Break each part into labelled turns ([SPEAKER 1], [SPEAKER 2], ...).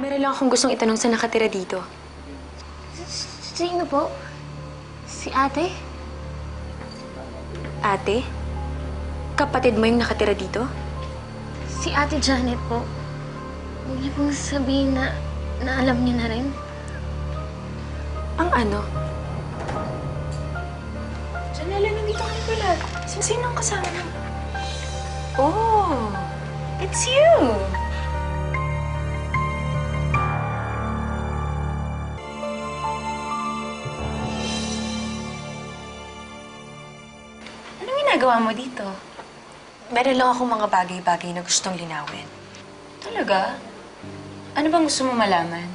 [SPEAKER 1] Meron lang akong gustong itanong sa nakatira dito.
[SPEAKER 2] Sino po? Si ate?
[SPEAKER 1] Ate? Kapatid mo yung nakatira dito?
[SPEAKER 2] Si ate Janet po. Huwag niyo pong sabihin na alam niyo na rin.
[SPEAKER 1] Ang ano?
[SPEAKER 3] Janela, nandito ka na pala. Sino ang kasama mo?
[SPEAKER 1] Oh, it's you!
[SPEAKER 3] Anong ginagawa mo dito?
[SPEAKER 1] Meron lang akong mga bagay-bagay na gustong linawin.
[SPEAKER 3] Talaga? Ano bang gusto mo malaman?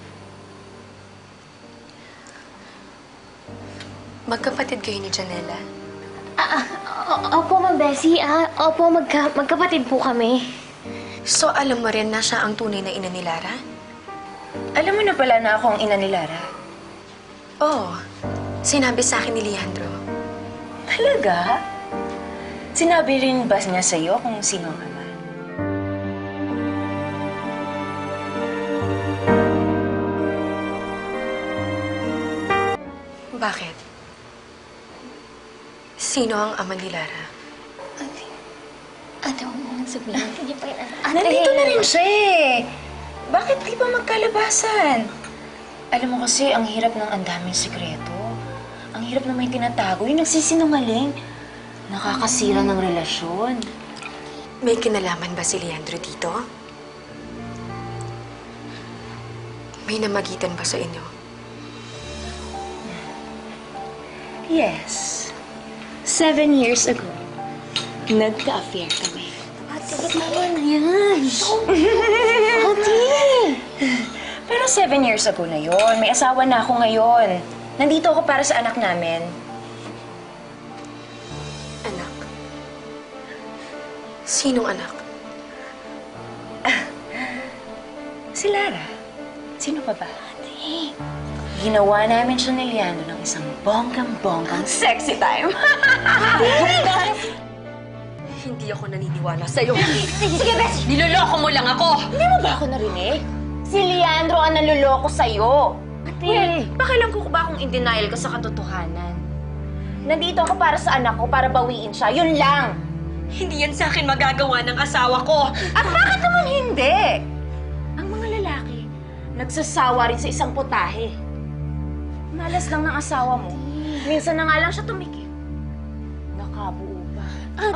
[SPEAKER 1] Magkapatid kayo ni Janela.
[SPEAKER 2] Opo, Ma'am Bessie. Opo, magkapatid po kami.
[SPEAKER 1] So, alam mo rin na siya ang tunay na ina ni Lara?
[SPEAKER 3] Alam mo na pala na ako ang ina ni Lara.
[SPEAKER 1] Oo. Sinabi sa akin ni Leandro.
[SPEAKER 3] Talaga? Sinabi rin ba niya sa'yo kung sino ang ama?
[SPEAKER 1] Bakit? Sino ang ama ni Lara?
[SPEAKER 2] Ate, huwag mo nang sabihin. Hindi pa yan. Ate!
[SPEAKER 3] Nandito na rin siya eh. Bakit di ba magkalabasan? Alam mo kasi, ang hirap ng ang daming sikreto. Ang hirap na may tinatago. Yung nagsisinungaling. Nakakasira ng relasyon.
[SPEAKER 1] May kinalaman ba si Leandro dito? May namagitan ba sa inyo?
[SPEAKER 3] Yes. 7 years ago, nagka-affair kami.
[SPEAKER 2] Ate, tama na yan. Ate!
[SPEAKER 3] Pero 7 years ago na yon. May asawa na ako ngayon. Nandito ako para sa anak namin.
[SPEAKER 1] Anak? Sinong anak?
[SPEAKER 3] Si Lara. Sino pa ba?
[SPEAKER 2] Ate!
[SPEAKER 3] Ginawa namin siya ni Leandro ng isang bonggang-bonggang sexy time.
[SPEAKER 1] Hindi ako naniniwala sa'yo.
[SPEAKER 2] Sige, Bessie!
[SPEAKER 1] Niloloko mo lang ako!
[SPEAKER 3] Hindi mo ba ako narinig? Si Leandro ang naluloko sa'yo.
[SPEAKER 2] Ate!
[SPEAKER 3] Pakialam ko ba kung in denial ka sa katotohanan? Nandito ako para sa anak ko, para bawiin siya. Yun lang.
[SPEAKER 1] Hindi yan sa akin magagawa ng asawa ko!
[SPEAKER 3] At bakit naman hindi? Ang mga lalaki, nagsasawa rin sa isang putahe. Malas lang ng asawa mo. Minsan na nga lang siya tumikip. Nakabuo pa.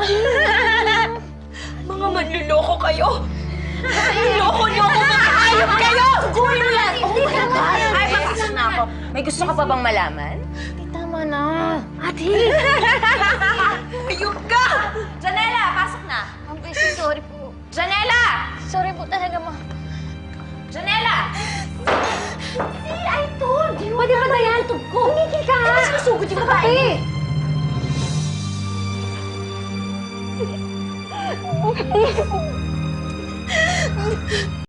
[SPEAKER 1] Mga manluloko kayo! Loko-loko mga hayop kayo!
[SPEAKER 3] Gawin mo yan!
[SPEAKER 2] Hindi, tama na yan.
[SPEAKER 3] Ay, papasok na ako. May gusto ka pa bang malaman?
[SPEAKER 2] Ate, tama na. Ate!
[SPEAKER 1] Ayun ka!
[SPEAKER 3] Janela, pasok na!
[SPEAKER 2] Ma'am Bessie, sorry po.
[SPEAKER 3] Janela!
[SPEAKER 2] Sorry po talaga, Ma'am.
[SPEAKER 3] Janela!
[SPEAKER 2] See, I told you! Pwede ba na yan? Ko! Tumigil ka!
[SPEAKER 3] Sinusugod yung babae.
[SPEAKER 2] Ate!